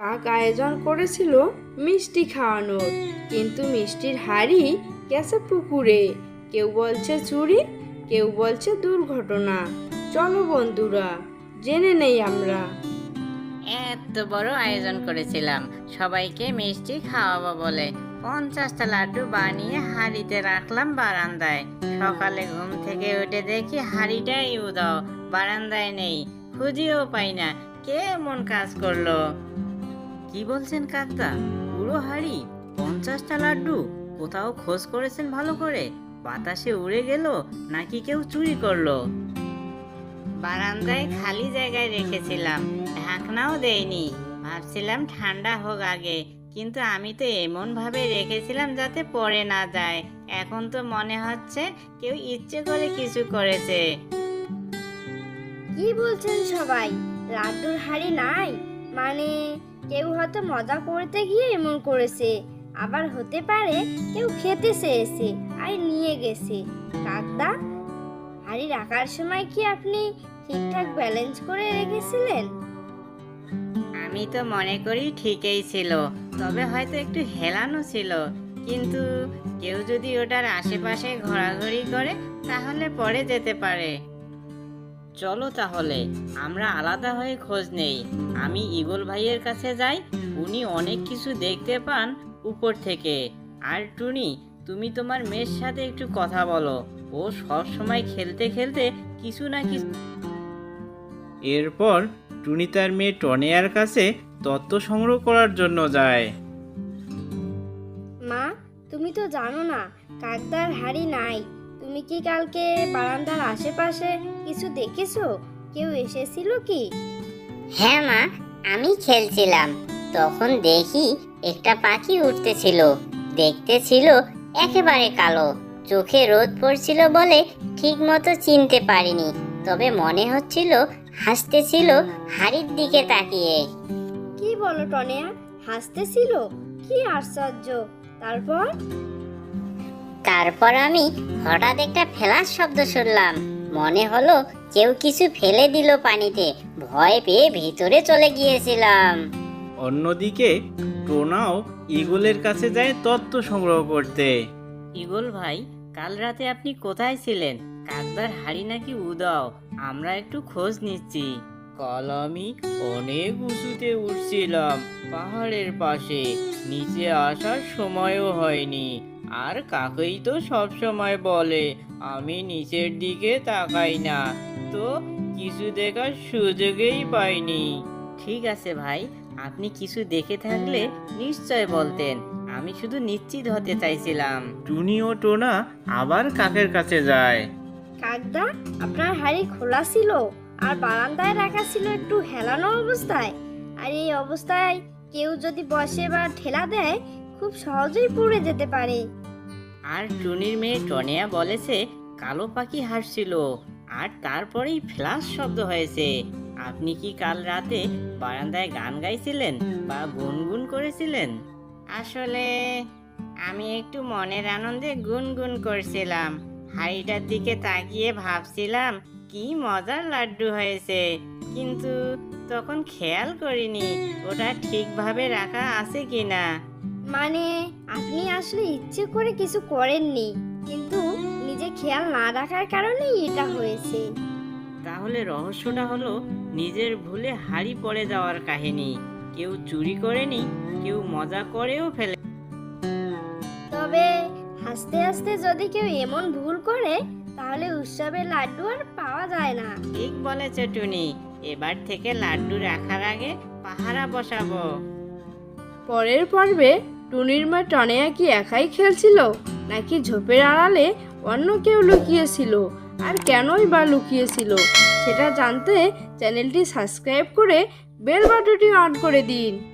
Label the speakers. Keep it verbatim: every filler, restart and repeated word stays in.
Speaker 1: কাক আয়োজন করেছিল মিষ্টি খাওয়ানোর, কিন্তু মিষ্টির হাড়ি গেছে পুকুরে। কেউ বলছে চুরি, কেউ বলছে দুর্ঘটনা। চলো বন্ধুরা, জেনে নেই আমরা।
Speaker 2: এত বড় আয়োজন করেছিলাম সবাইকে মিষ্টি খাওয়াবো বলে। পঞ্চাশটা লাড্ডু বানিয়ে হাঁড়িতে রাখলাম বারান্দায়। সকালে ঘুম থেকে উঠে দেখি হাঁড়িটাই উধাও, বারান্দায় নেই, খুঁজেও পাই না। কে এমন কাজ করলো? কি বলছেন কাকদা? পুরো হাঁড়ি, পঞ্চাশটা লাড্ডু? কোথাও খোঁজ করেছেন ভালো করে? বাতাসে উড়ে গেল নাকি কেউ চুরি করলো? বারান্দায় খালি জায়গায় রেখেছিলাম, ঢাকনাও দেয়নি। ভাবছিলাম ঠান্ডা হোক আগে, কিন্তু আমি তো এমন ভাবে রেখেছিলাম যাতে পড়ে না যায়। এখন তো মনে হচ্ছে কেউ ইচ্ছে করে কিছু করেছে।
Speaker 3: কি বলছেন সবাই? লাড্ডুর হাড়ি নাই মানে কেউ হয়তো মজা করতে গিয়ে এমন করেছে, আবার হতে পারে কেউ খেতে চেয়েছে আর নিয়ে গেছে। কাকদা, হাড়ি রাখার সময় কি আপনি ঠিকঠাক ব্যালেন্স করে রেখেছিলেন?
Speaker 2: আমি তো মনে করি ঠিকই ছিল, তবে হয়তো একটু হেলানো ছিল। কিন্তু কেউ যদি ওটার আশেপাশে ঘোরাঘুরি করে তাহলে পড়ে যেতে পারে। চলো তাহলে আমরা আলাদা হয়ে খোঁজ নেই। আমি ঈগল ভাইয়ের কাছে যাই, উনি অনেক কিছু দেখতে পান উপর থেকে। আর টুনি, তুমি তোমার মেয়ের সাথে একটু কথা বলো, ও সব সময় খেলতে খেলতে কিছু না কিছু।
Speaker 4: এরপর টুনি তার মেয়ে টনিয়ার কাছে তথ্য সংগ্রহ করার জন্য যায়।
Speaker 3: মা, তুমি তো জানো না কাকদার হাড়ি নাই। তুমি কি কালকে বারান্দার আশেপাশে কিছু দেখেছো? কেউ এসেছিল কি?
Speaker 5: হ্যাঁ মা, আমি খেলছিলাম, তখন দেখি একটা পাখি উঠতেছিল। দেখতে ছিল একেবারে কালো, চোখে রোদ পড়ছিল বলে ঠিক মতো চিনতে পারিনি, তবে মনে হচ্ছিল হাসতেছিল হাড়ির দিকে তাকিয়ে।
Speaker 3: কি বলো টনিয়া, হাসতেছিল? কি আশ্চর্য! তারপর?
Speaker 5: তারপর আমি হঠাৎ একটা ফেলার শব্দ শুনলাম, মনে হলো কেউ কিছু ফেলে দিল পানিতে। ভয় পেয়ে ভিতরে চলে গিয়েছিলাম।
Speaker 4: অন্যদিকে টোনাও ঈগলের কাছে যায় তথ্য সংগ্রহ করতে।
Speaker 2: ঈগল ভাই, কাল রাতে আপনি কোথায় ছিলেন? কাকদার হাড়ি নাকি উদাও, আমরা একটু খোঁজ নিচ্ছি। কাল আমি অনেক উঁচুতে উঠছিলাম, পাহাড়ের পাশে। নিচে আসার সময়ও হয়নি। আর কাকেই তো সব সময় বলে আমি নিচের দিকে তাকাই না, তো কিছু দেখার সুযোগই পাইনি। ঠিক আছে ভাই, আপনি কিছু দেখে থাকলে নিশ্চয় বলতেন, আমি শুধু নিশ্চিত হতে চাইছিলাম।
Speaker 4: টুনি ও টোনা আবার কাকের কাছে যায়।
Speaker 3: কাকদা, আপনার হাড়ি খোলা ছিল আর বারান্দায় রাখা ছিল একটু হেলানো অবস্থায়। আর এই অবস্থায় কেউ যদি বসে বা ঠেলা দেয় খুব সহজেই পড়ে যেতে পারে।
Speaker 2: আর টুনির মেয়ে টনিয়া বলেছে কালো পাখি হাসছিল, আর তারপরেই ফ্ল্যাশ শব্দ হয়েছে। আপনি কি কাল রাতে বারান্দায় গান গাইছিলেন বা গুনগুন করেছিলেন? আসলে আমি একটু মনের আনন্দে গুনগুন করছিলাম। হাড়িটার দিকে তাকিয়ে ভাবছিলাম কি মজার লাড্ডু হয়েছে, কিন্তু তখন খেয়াল করিনি ওটা ঠিকভাবে রাখা আছে কিনা।
Speaker 3: মানে আপনি আসলে ইচ্ছে করে কিছু করেননি, কিন্তু নিজে খেয়াল না রাখার কারণেই এটা হয়েছে।
Speaker 2: তাহলে রহস্যটা হলো নিজের ভুলে হাড়ি পড়ে যাওয়ার কাহিনী। কেউ চুরি করেনি, কেউ মজা করেও ফেলে।
Speaker 3: তবে হাসতে হাসতে যদি কেউ এমন ভুল করে তাহলে উৎসবের লাড্ডু আর পাওয়া যায় না।
Speaker 2: ঠিক বলেছে টুনি, এবার থেকে লাড্ডু রাখার আগে পাহারা বসাবো।
Speaker 1: পরের পর্বে টুনির মা টনিয়া কি একাই খেলছিল, নাকি ঝোপের আড়ালে অন্য কেউ লুকিয়েছিল? আর কেনই বা লুকিয়েছিল সেটা জানতে চ্যানেলটি সাবস্ক্রাইব করে বেল বাটনটি অন করে দিন।